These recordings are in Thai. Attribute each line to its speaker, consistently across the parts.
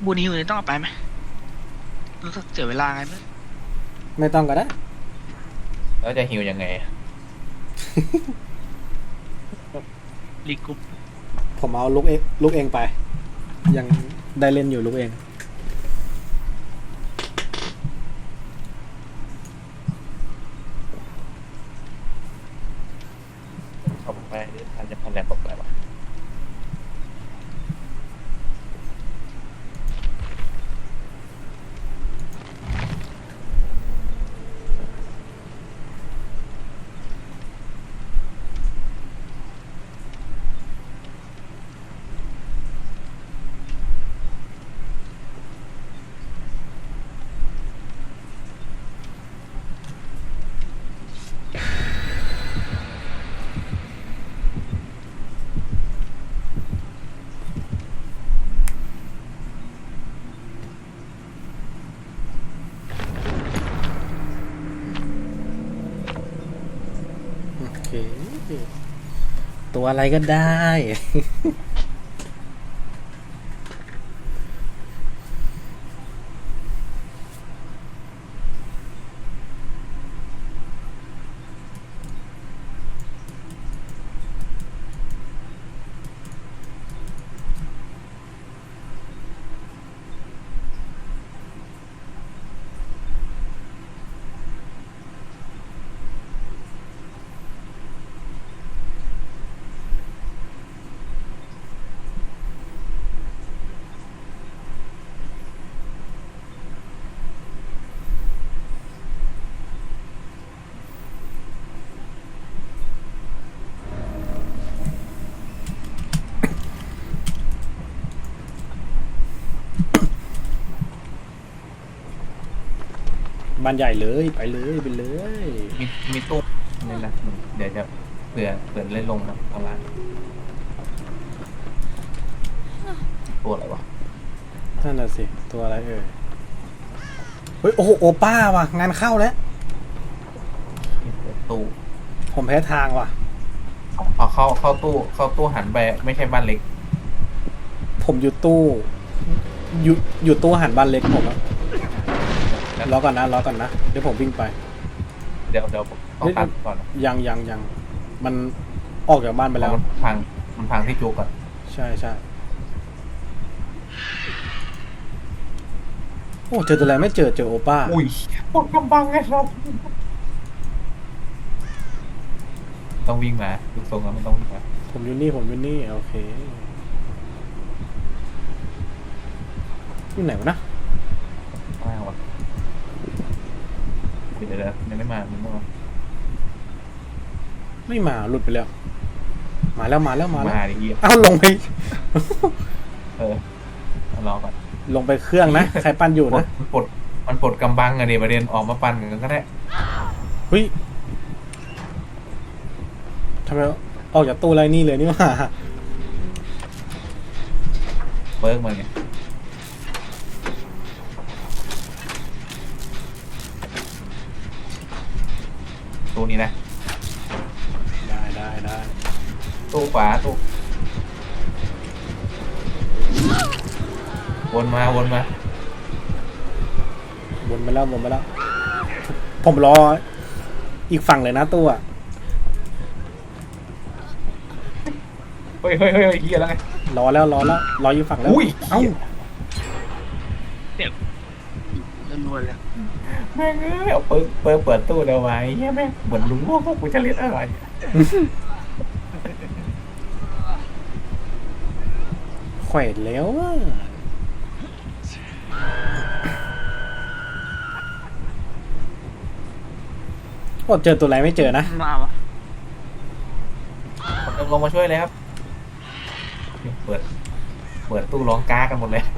Speaker 1: บูนฮิวเนี่ยต้องเอาไปไหมรู้สึกเสียเวลาไงไม่
Speaker 2: ไม่ต้องก็ได้
Speaker 3: แล้วจะฮิวยังไง
Speaker 1: รีกรุ๊ป
Speaker 2: ผมเอาลูกเองไปยังได้เล่นอยู่ลูกเอง
Speaker 3: ผมไปทันจะพันแรงผมไปวะ
Speaker 2: โอเคตัวอะไรก็ได้ บ้านใหญ่เลยไปเลยไปเลย
Speaker 3: มีมีตู้นี่นะเดี๋ยวจะเผื่อเล่นลงนะข้างล่างตัวอะไรวะ
Speaker 2: นั่นน่ะสิตัวอะไรเอ่ยเฮ้ยโอ้โหโอป้าว่ะงานเข้าแล้ว
Speaker 3: ตู้
Speaker 2: ผมแพ้ทางว่ะ
Speaker 3: เอาเข้าตู้หันไปไม่ใช่บ้านเล็ก
Speaker 2: ผมอยู่ตู้อยู่ตู้หันบ้านเล็กผมอะรอก่อนนะเดี๋ยวผมวิ่งไป
Speaker 3: เดี๋ยวผมต้องตัดก่อน
Speaker 2: ยังมันออกจากบ้านไปแล้ว
Speaker 3: มันพังที่จูก่อน
Speaker 2: ใช่โอ้เจอตัวอะไรไม่เจอโอป้า
Speaker 3: อุ้ยปวดกำบังไงครับต้องวิ่งมาดูทรงแล้วมันต้องวิ่งมา
Speaker 2: ผมอยู่นี่โอเคอยู่ไหนวะนะ
Speaker 3: มากวะเดี๋ยวยังไม่มามัน
Speaker 2: ไม่มาหลุดไปแล้วมาแล้ว
Speaker 3: มาดิเหี้ย
Speaker 2: เอ้าลงไป
Speaker 3: รอก่อน
Speaker 2: ลงไปเครื่องนะใครปั้นอยู่นะ
Speaker 3: มันปลดกำบังอะดิประเด็นออกมาปั้นกันก็ได้
Speaker 2: เฮ้ยทำไมออกจากตู้ไรนี่เลยนี่ว่า
Speaker 3: เบิร์กมาไงตู้นี้นะ
Speaker 2: ได้
Speaker 3: ตู้ขวาตู้วนมา
Speaker 2: วนไปแล้วผมรออีกฝั่งเลยนะตู้อะ
Speaker 3: เฮ้ยเฮียแล้วไง
Speaker 2: รออยู่ฝั่งแล้ว
Speaker 3: อุ้ย
Speaker 2: เอ้า
Speaker 1: เจ็บรัวๆเลย
Speaker 3: แม่งเอาเปิดตู้เดี๋ยวไว้เฮียแม่งเหมือนลุงพวกกูจะเล่นอะไร
Speaker 2: แขวนแล้วโอ้เจอตัวอะไรไม่เจอนะ
Speaker 1: มาวะ
Speaker 3: ลงมาช่วยเลยครับเปิดตู้ร้องก้ากันหมดเลย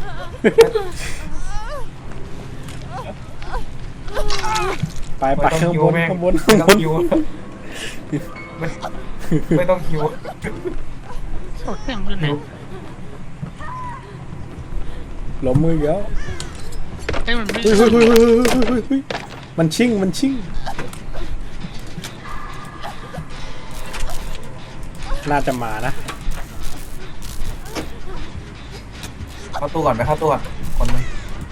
Speaker 2: ไปข้างบน
Speaker 3: ไม่ต้องคิวไม่ต้องคิว
Speaker 1: โอ้เสียงขึ้นไหน
Speaker 2: ล้มมือเยอะ
Speaker 1: เฮ้ยมันไม่
Speaker 2: มันชิ่งน่าจะมานะ
Speaker 3: เข้าตู้ก่อนไปเข้าตู้ก่อนคนหนึง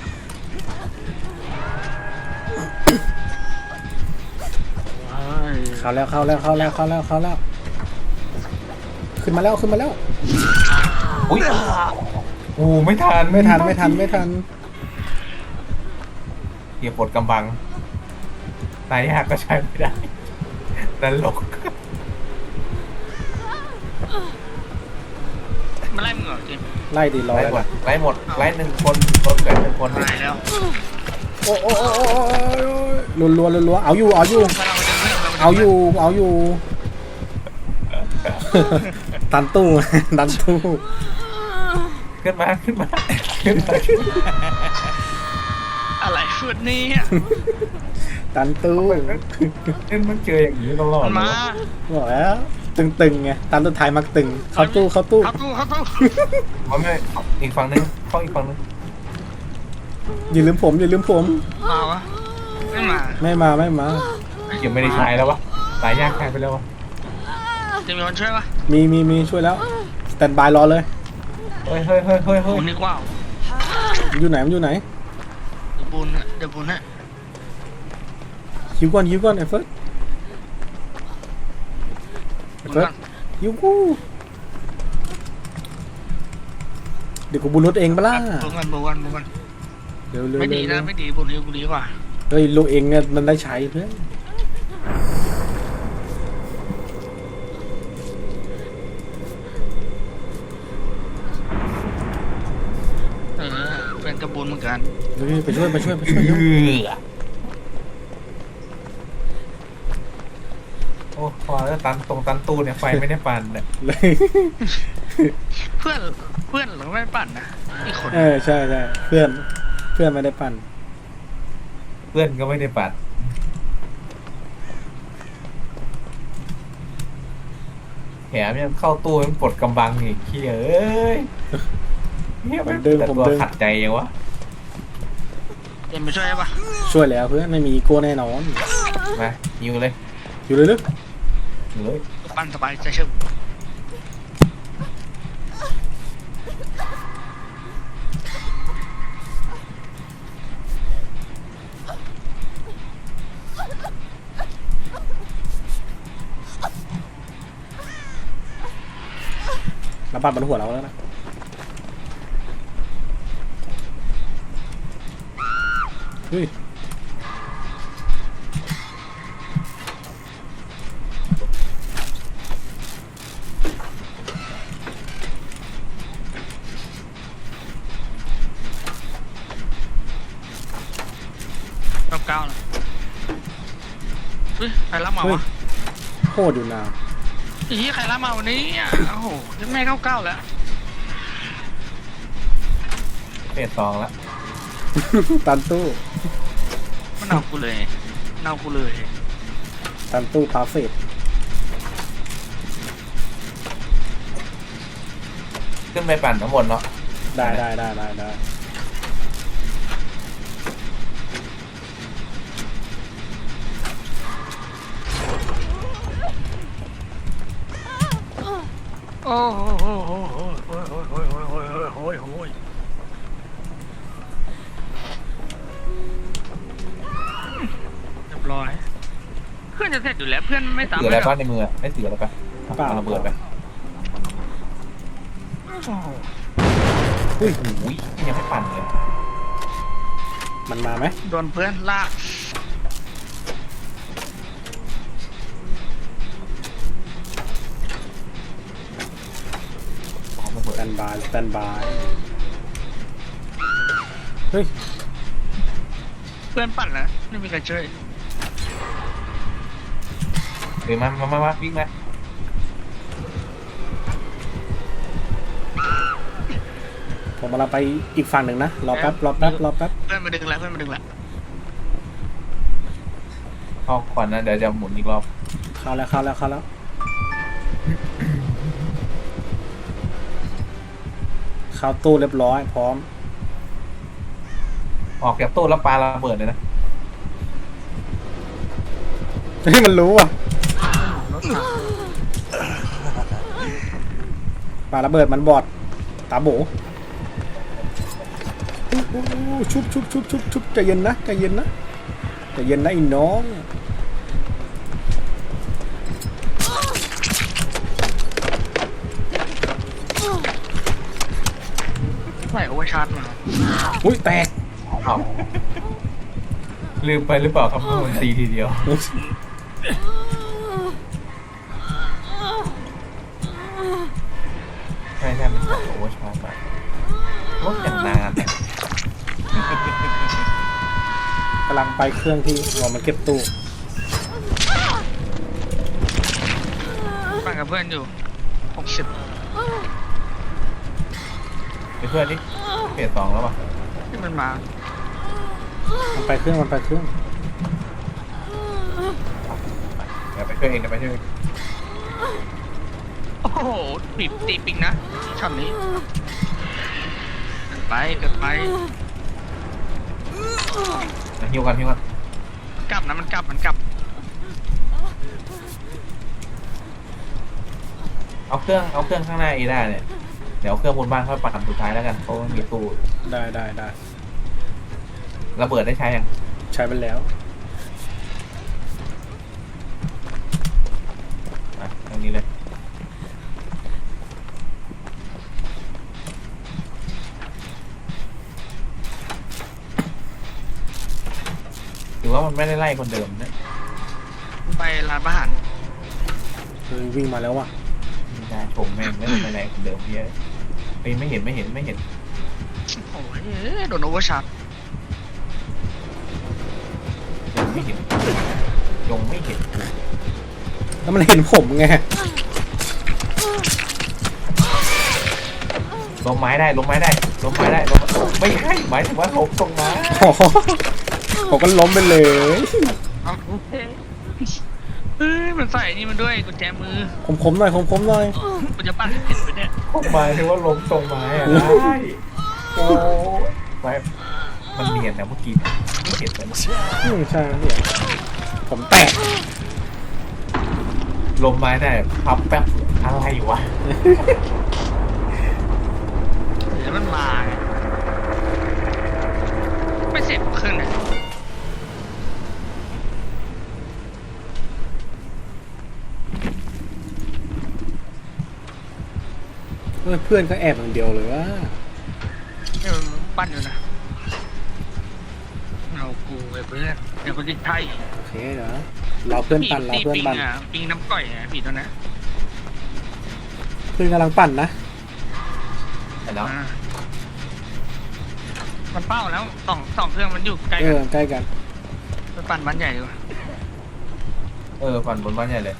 Speaker 2: เข้าแล้วเข้าแล้วเข้าแล้วเข้าแล้วเข้าแล้วขึ้นมาแล้วขึ้นมาแล้ว
Speaker 3: อุ้ยโอ้ไม่ทัน
Speaker 2: ไม่ทันไม่ทันไม่ทัน
Speaker 3: เกียร์ปลดกำบังตายยากก็ใช้ไม่ได้ตลก
Speaker 1: มาไล่มึงเหรอจิม
Speaker 2: ไล่ดีร้อย
Speaker 3: ไล่หมด
Speaker 2: ละ
Speaker 3: ไล่หมดไล่หนึ่งคนคนเกิดหนึ่งคน
Speaker 1: ตายแล้ว
Speaker 2: โอ้โอ้โอ้โอ้รัวรัวรัวรัวเอาอยู่เอาอยู่ เอาอยู่เอาอยู่ ตันตู้ ตันตู้
Speaker 3: ขึ้นมาขึ้นมาขึ้นมาขึ้นมา
Speaker 1: อะไรฟุดนี้
Speaker 2: ตันตู้
Speaker 3: เล่นมันเจออย่างนี้ตลอด
Speaker 1: มันมา
Speaker 2: บอกแล้วตึงๆไงตันสุดท้ายมักตึงเข้าตู้เข้าตู้
Speaker 1: เข้าตู้เข้าตู้
Speaker 3: มันไม่อีกฝั่งนึงเข้าอีกฝั่งนึง
Speaker 2: อย่าลืมผมอย่าลืมผม
Speaker 1: มาวะไม่มา
Speaker 2: ไม่มาไม่มา
Speaker 3: ยังไม่ได้ใช้แล้ววะตายยากใช้ไปแล้ววะ
Speaker 1: จะมีคนช่วยปะ
Speaker 2: มีช่วยแล้วสแตนบายรอเลย
Speaker 3: เฮ้ยเฮ้ยเฮ้ยเฮ้ยเฮ้ย
Speaker 1: บุญนึกว่า
Speaker 2: มันอยู่ไหนมันอยู่ไหน
Speaker 1: เดี๋ยวบุญอะเดี๋ยวบุญอะ
Speaker 2: ฮิวก่อนฮิวก่อนไอ้เฟิร์สไอ้
Speaker 1: บุญ
Speaker 2: เฟิร์
Speaker 1: ก่
Speaker 2: ส
Speaker 1: อน
Speaker 2: ฮิวกูเดี๋ยวกูบุญรถเองปะล่ะ
Speaker 1: บุญก่อนบุญก่อนบุญก่อน
Speaker 2: เร็วเร็ว
Speaker 1: ไม่
Speaker 2: เร็
Speaker 1: ดี
Speaker 2: ว
Speaker 1: นะไม่ดีบุญกูดีกว่า
Speaker 2: เฮ้ยลูกเองเนี่ยมันได้ใช้เพื่อน
Speaker 1: เป็นกระบุญเหมือนกัน
Speaker 2: เฮ้ยไปช่วยไปช่วยไป
Speaker 3: เอ
Speaker 2: ช่วยเร็ว
Speaker 3: อโอ้พอแล้วตันตรงตันตู้เนี่ยไฟไม่ได้ปั่นเนี่ย
Speaker 2: เลย
Speaker 1: เพื่อนเราไม่ปั่นนะอีกคน
Speaker 2: ใช่ใช่เพื่อนเพื่อนไม่ได้ปั่น
Speaker 3: เพื่อนก็ไม่ได้ปั่นแถมยังเข้าตู้มันปลดกำบังอีกเฮียเอ้ยเฮีย
Speaker 2: ผม
Speaker 3: น
Speaker 2: ดึง
Speaker 3: แต่
Speaker 2: ผม
Speaker 3: ตัว
Speaker 2: ดึง
Speaker 3: ขัดใจยังวะ
Speaker 1: เดี๋ยวมาช่วยปะ
Speaker 2: ช่วยแล้วเพื่อนไม่มีอีโก้แน่นอน
Speaker 3: มายิงเลย
Speaker 2: อยู่เลยลึก
Speaker 3: ยิงเลย
Speaker 1: ปั่นสบายใจเชื่อ
Speaker 2: ระบาดบนหัวเราแล้วนะเฮ้ย
Speaker 1: เก้านะเฮ้ยใครรับมา
Speaker 2: เฮ้ยว
Speaker 1: ะ
Speaker 2: โคตรอยู่นาน
Speaker 1: อีใครรับมาวันนี้อ่ะโอ้โหแม่เก้าแล้ว
Speaker 3: เฟสสองแล้ว
Speaker 2: ตันตู้
Speaker 1: มันเอากูเลยเอากูเลย
Speaker 2: ตันตู้พาเฟส
Speaker 3: ขึ้นไปปั่นทั้งหมดเนาะ
Speaker 2: ได้ได้ได้ได้ได้
Speaker 1: โอ้โหโอ้โหโอ้โหโอ้โหโอ้โหโอ้โหโอ้โหโอ้โหเรียบร้อยเพื่อนจะเสร็จอยู่แล้วเพื่อนไม่ตาม
Speaker 3: ถืออะไรบ้างในมือไม่ถืออะไรปะเอาระเบิดไป
Speaker 2: อุ้ย
Speaker 3: โอ้ยยังไม่ปั่นเลย
Speaker 2: มันมาไหม
Speaker 1: โดนเพื่อนลาก
Speaker 3: เอาระเบิด
Speaker 2: สแตนบายสแตนบายเฮ้ย
Speaker 1: เพื่อนปั่นแล้วไม่มีใครช่วย
Speaker 3: เดี๋ยวมาวิ่งมา
Speaker 2: ผมกำลังไปอีกฝั่งหนึ่งนะรอแป๊บรอแป๊บรอแป๊บ
Speaker 1: เพื่อนมาดึงแล้วเพื่อนมาดึงแล้ว
Speaker 3: เข้าก่อนนะเดี๋ยวจะหมุนอีกรอบ
Speaker 2: เข้าแล้วเข้าแล้วเข้าแล้วเข้าตู้เรียบร้อยพร้อม
Speaker 3: ออกจากตู้แล้วปาระเบิดเลยนะ
Speaker 2: เฮ้ยมันรู้อ่ะ
Speaker 1: รถถัง
Speaker 2: ปาระเบิดมันบอดตาโบชุบชุบชุบชุบชุบใจเย็นนะใจเย็นนะใจเย็นนะไอ้น้อง
Speaker 1: ใส่โอเวอร์ชาร์จมา
Speaker 2: อุ้ยแตก
Speaker 3: เอาลืมไปหรือเปล่าครับว่ามันตีทีเดียวใช่มันโอเวอร์ชาร์จมาโอ้อย่างนานเนี่ย
Speaker 2: กำลังไปเครื่องที่รอมันเก็บตู้
Speaker 1: ปั่นกับเพื่อนอยู่60
Speaker 3: ไปเพื่อนนี่เฟส2แล้วป่ะ
Speaker 1: ที่มันมา
Speaker 2: มันไปเครื่องมันไปเครื่อง
Speaker 3: เดี๋ยวไปช่วยเองเดี๋ยวไปช่วยเอง
Speaker 1: โอ้โหบีบตีปิงนะช็อตนี้เกินไปเกินไป
Speaker 3: หิวกันหิวกัน
Speaker 1: กลับนะมันกลับมันกลับ
Speaker 3: เอาเครื่องข้างหน้าเอได้เนี่ยเดี๋ยวเอาเครื่องบนบ้านค่อยปั่นสุดท้ายแล้วกันเพราะมันมีตู้
Speaker 2: ได้ได้ได้
Speaker 3: ระเบิดได้ใช้ยัง
Speaker 2: ใช้ไปแล้ว
Speaker 3: อ่ะตรงนี้เลยหรือว่ามันไม่ได้ไล่คนเดิมนะ
Speaker 1: ไปร้านอาหาร
Speaker 2: วิ่งมาแล้วว่ะ
Speaker 3: ไม่ได้ชมแม่งไม่ได้ไปไล่คนเดิมเยอะไปไม่เห็น
Speaker 1: โอ้ยโดนโอเวอร์ชาร์จ
Speaker 3: ยังไม่เห็น
Speaker 2: แล้วมันเห็นผมไง
Speaker 3: ล้มไม้ได้ไม่ใช่หมายถึงว่าล้มตรงไม้
Speaker 2: โอ้โหผมก็ล้มไปเลย
Speaker 1: เอาเฮ้ยมันใส่นี่มันด้วยกุญแจมือ
Speaker 2: ผมหน่อยผมหน่อย
Speaker 1: กูจะปั้นให้เห็นไปเนี่ย
Speaker 3: หมายถึงว่าล้มตรงไม้อะได้โอ้ไม้มันเนียนนะเมื่อกี้ไม่เห็นเลย
Speaker 2: ใช่เนี่ยผมแตก
Speaker 3: ลมไม้ได้พับแป๊บอะไรวะ
Speaker 1: เดี๋ยวมันมาไงไม่เสร็จเครื่องไหน
Speaker 2: เพื่อนก็แอบอย่างเดียวเลยว่า
Speaker 1: เดี๋ยวมันปั้นอยู่นะเอากูไปเพื่อนเดี๋ยวกูจะใช่
Speaker 2: โอเคเดี๋ยวเราเพื่อนปั่นเราเพื่อน
Speaker 1: ปิง
Speaker 2: ปั่น
Speaker 1: อ่ะปิงน้ำก่อยอ่ะผีตัวนั้น
Speaker 2: เพื่อนกำลังปั่นนะ
Speaker 3: เห็นแล้ว
Speaker 1: อ่ามันเป้าแล้วสองเครื่องมันอยู่ใกล้
Speaker 2: เอ
Speaker 1: กัน
Speaker 2: อใกล้กัน
Speaker 1: ไปปั่นบ้านใหญ่ดีกว่า
Speaker 3: ฟันบนบ้านใหญ่เลย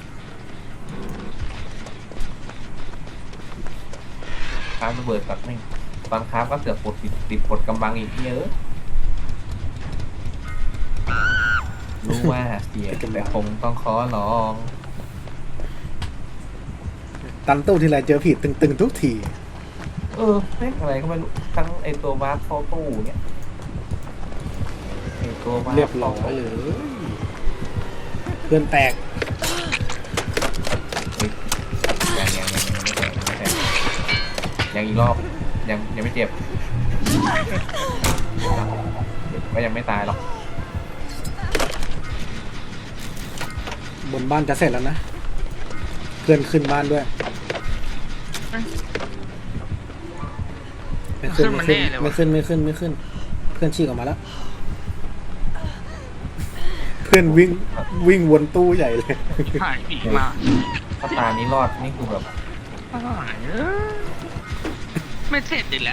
Speaker 3: คราฟระเบิดกับไม่ตอนคราฟก็เสือกปลดติดปลดกำบังอีกเยอะรู้ว่าเสียแต่คงต้องขอลอง
Speaker 2: ตันตู้ทีไรเจอผีตึงๆทุกที
Speaker 3: แม่งอะไรก็ไม่รู้ทั้งไอตัววาร์ปเข้าตู้เนี่ยไอตัววาร์ป
Speaker 2: เรียบร้อยเลย เพื่อนแตก
Speaker 3: ยังอีกรอบยังไม่เจ็บก็ยังไม่ตายหรอก
Speaker 2: บนบ้านจะเสร็จแล้วนะ เพื่อนขึ้นบ้านด้วย ไม่ขึ้น
Speaker 1: มันแน่เลยวะ
Speaker 2: ไม่ขึ้น เพื่อนฉีกออกมาแล้ว เพื่อนวิ่งวนตู้ใหญ่เลย
Speaker 1: หายผีมา
Speaker 3: ถ้าตานี้รอดนี่คือแบบ
Speaker 1: หายไม่เสร็จอีกแล้ว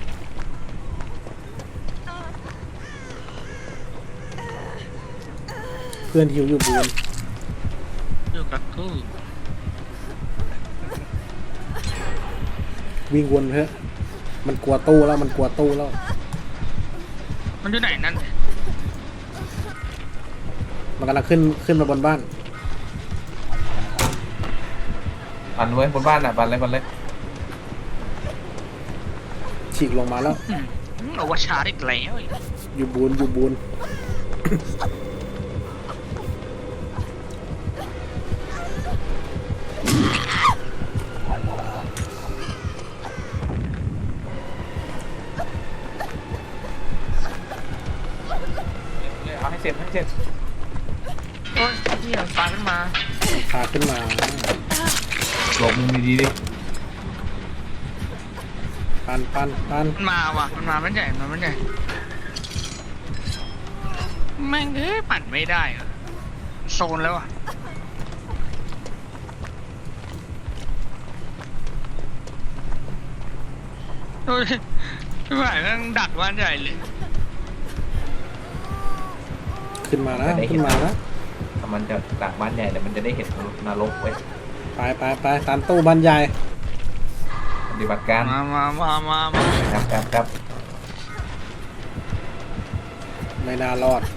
Speaker 2: เพื่อนหิวอยู่บน
Speaker 1: อยู่กับตู้
Speaker 2: วิ่งวนเถอะมันกลัวตู้แล้วมันกลัวตู้แล้ว
Speaker 1: มันอยู่ไหนนั่น
Speaker 2: มันกำลังขึ้นมาบนบ้าน
Speaker 3: ปั่นไว้บนบ้านอ่ะปั่นเลย
Speaker 2: ฉีกลงมาแล้ว
Speaker 1: เอาว่าชาร์จอีกแล้ว
Speaker 2: อยู่บูน
Speaker 3: เจ็บ
Speaker 1: โอ้ยเหี้ยปลาขึ้นมา
Speaker 2: พาขึ้นมา
Speaker 3: หลบมุมดีๆดิ
Speaker 2: ปัน
Speaker 1: มันมาว่ะมันมามันใหญ่มันใหญ่แม่งเอ้ยปั่นไม่ได้เหรอโซนแล้วอ่ะโอ้ยไม่ไหวแม่งดักบ้านใหญ่เลย
Speaker 2: ขึ้นมานะขึ้นมานะ
Speaker 3: ถ้ามันจะดักบ้านใหญ่แต่มันจะได้เห็นนรกไว้
Speaker 2: ไปตามตู้บรรยาย
Speaker 3: ปฏิบัติการ
Speaker 1: มา
Speaker 3: ครับ
Speaker 2: ไม่น่ารอด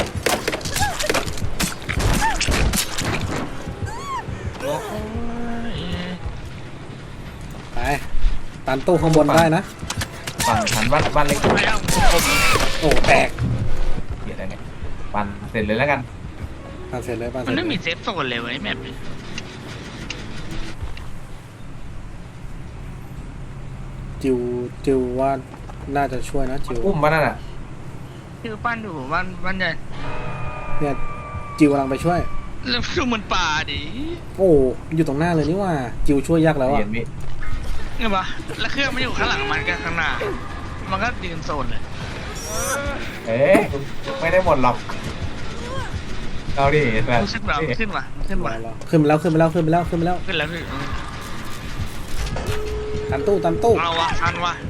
Speaker 1: โอ้ย
Speaker 2: ไปตามตู้ข้างบนได้นะ
Speaker 3: ปั่นหันบ้านเล็ก
Speaker 1: ไม่เอาผม
Speaker 2: โอ้แตก
Speaker 3: เดี๋ยวอะไรเนี่ยปั่นเสร็จเลยแล้วกัน
Speaker 2: ปั่นเสร็จเลยปั่นเส
Speaker 1: มั
Speaker 2: ร็
Speaker 1: น
Speaker 2: จ
Speaker 1: ไม่
Speaker 2: เล
Speaker 1: มี
Speaker 2: ย
Speaker 1: เซฟโซนเลยเว้ยแมปนี้
Speaker 2: จิวว่าน่าจะช่วยนะจิว
Speaker 3: อุ้มมานั่นน่ะ
Speaker 1: คือปั้นอยู่บ้านใหญ่
Speaker 2: เนี่ยจิวกำลังไปช่วย
Speaker 1: แล้วดูมันป่าดิ
Speaker 2: โอ้อยู่ตรงหน้าเลยนี่ว่าจิวช่วยยากแล้วอ่ะ
Speaker 3: เย็นมิ
Speaker 1: เห็นปะแล้วเครื่องมันอยู่ข้างหลังมันกับข้างหน้า มันก็ยืนโซนเลย
Speaker 3: เอ๊ะไม่ได้หมดหรอกเอาดิแบบ
Speaker 1: ขึ้นว่ะขึ้นว่ะ
Speaker 2: ขึ้นไปแล้วขึ้นไปแล้วขึ้นไปแล้วขึ้นไปแล้ว
Speaker 1: ขึ้นแล้วพี่
Speaker 2: ตามตู้
Speaker 1: เอาวะทันวะ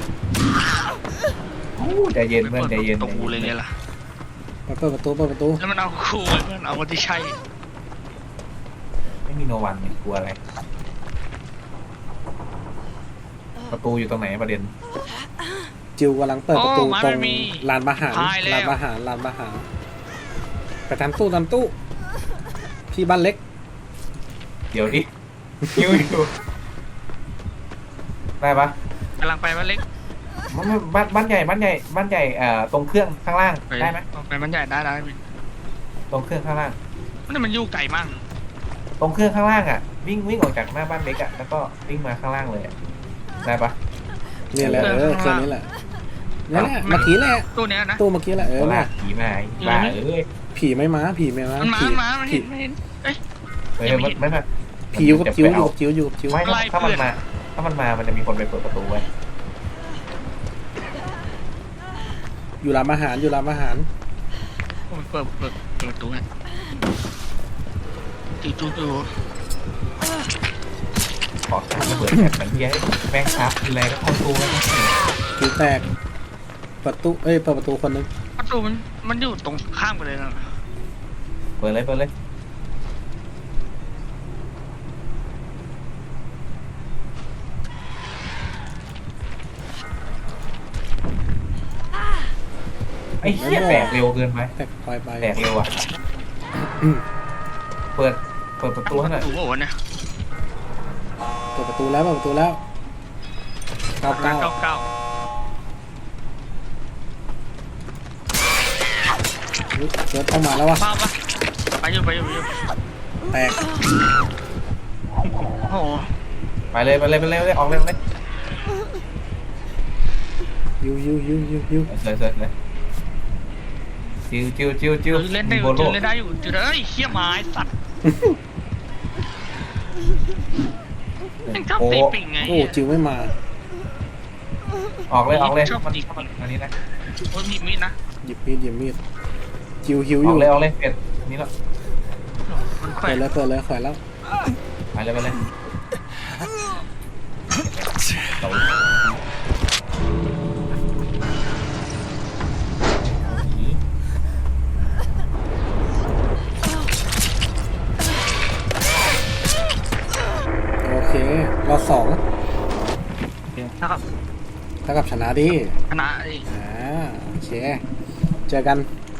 Speaker 3: ใจเย็นเพื่อนใจเย็น
Speaker 1: ตกกูเลยเนี่ยล่ะ
Speaker 2: เปิดประตู
Speaker 1: แล้วมันเอาคูไว้เพื่อนเอาคนที่ใช่
Speaker 3: ไม่มีโนวันเนี่ยกลัวอะไร ประตูอยู่ตรงไหนประเด็น
Speaker 2: จิวกำลังเปิดประตู
Speaker 1: โอ้
Speaker 2: ตรง
Speaker 1: มันมี
Speaker 2: ลานอาหาร
Speaker 1: พายแล้ว
Speaker 2: ลานอาหารไปตามตู้พี่บ้านเล็ก
Speaker 3: เดี๋ยวดิหิวอยู่ได้ปะ
Speaker 1: กำลังไปบ้านเล็ก
Speaker 3: บ้านใหญ่ตรงเครื่องข้างล่างได้ไหม
Speaker 1: ไปบ้านใหญ่ได้
Speaker 3: ตรงเครื่องข้างล่าง
Speaker 1: มันอยู่ไกลมาก
Speaker 3: ตรงเครื่องข้างล่างอ่ะวิ่งออกจากหน้าบ้านเล็กอ่ะแล้วก็วิ่งมาข้างล่างเลยอะได้ปะ
Speaker 2: เนี่ยแหละเครื่องนี้แหละนี่แหละเมื่อกี้แหละ
Speaker 1: ตัวเนี้ยนะ
Speaker 2: ตู้เมื่อกี้แหละ
Speaker 3: โอ้
Speaker 2: เนี่ย
Speaker 3: ผีมาบ้าเอ้ย
Speaker 2: ผีไม่มา
Speaker 1: มันเห็นเอ้ย
Speaker 3: ไม่
Speaker 2: ผีอยู่กับจิวไม่
Speaker 1: ไล่
Speaker 3: ถ้า
Speaker 1: เพื่
Speaker 3: มัน
Speaker 1: อน
Speaker 3: มามันจะมีคนไปเปิดประตูไว้
Speaker 2: อยู่ร้านอาหาร
Speaker 1: ผมเปิดประตูเนี่ยจู่
Speaker 3: ขอข้ามระเบิดแอบมันเย้ยแม่งครับอะไรก็เข้าตู้แล้ว
Speaker 2: จิวแตกเปิดประตูคนนึง
Speaker 1: ประตูมันอยู่ตรงข้ามกันเลยนะ
Speaker 3: เปิดเลยไอ้เหี้ยแตกเร็วเกินไป
Speaker 2: แตกไป
Speaker 3: แตกเร็วอ่ะเปิดประตูให้หน่อย
Speaker 1: ประตูโอ้เนี่ย
Speaker 2: เปิดประตูแล้ว99
Speaker 1: เก้า
Speaker 2: เกิดเข้ามาแล้ววะ
Speaker 1: ภาพปะไปอยู่
Speaker 2: แตก
Speaker 1: โอ้โห
Speaker 3: ไปเลยออกเลย
Speaker 2: ยู
Speaker 3: เสร็จเลยจิ้ว
Speaker 1: เล่นได้อยู่
Speaker 3: โบโล
Speaker 1: เล่นได้อยู่จุดเอ้ยเขี้ยไม้สัตว์ยังชอบตีปิ่งไง
Speaker 2: โอ้จิวไม่มา
Speaker 3: ออกเลย
Speaker 1: ชอบ
Speaker 3: มัน
Speaker 1: ตี
Speaker 3: อันนี้นะ
Speaker 1: โอ้ยมีมีดนะ
Speaker 2: หยิบมีดจิวหิวอ
Speaker 3: อยู่ อกเลยเป็ดนี่แล้ว
Speaker 1: มันแขว
Speaker 2: เปิด
Speaker 1: น
Speaker 2: เลยแขวนแล้ว
Speaker 3: ไปเลย
Speaker 2: โอเครอบ2
Speaker 1: นะครับ
Speaker 2: เท่ากับชนะดิ
Speaker 1: คณะดิ
Speaker 2: โอเคเจอกัน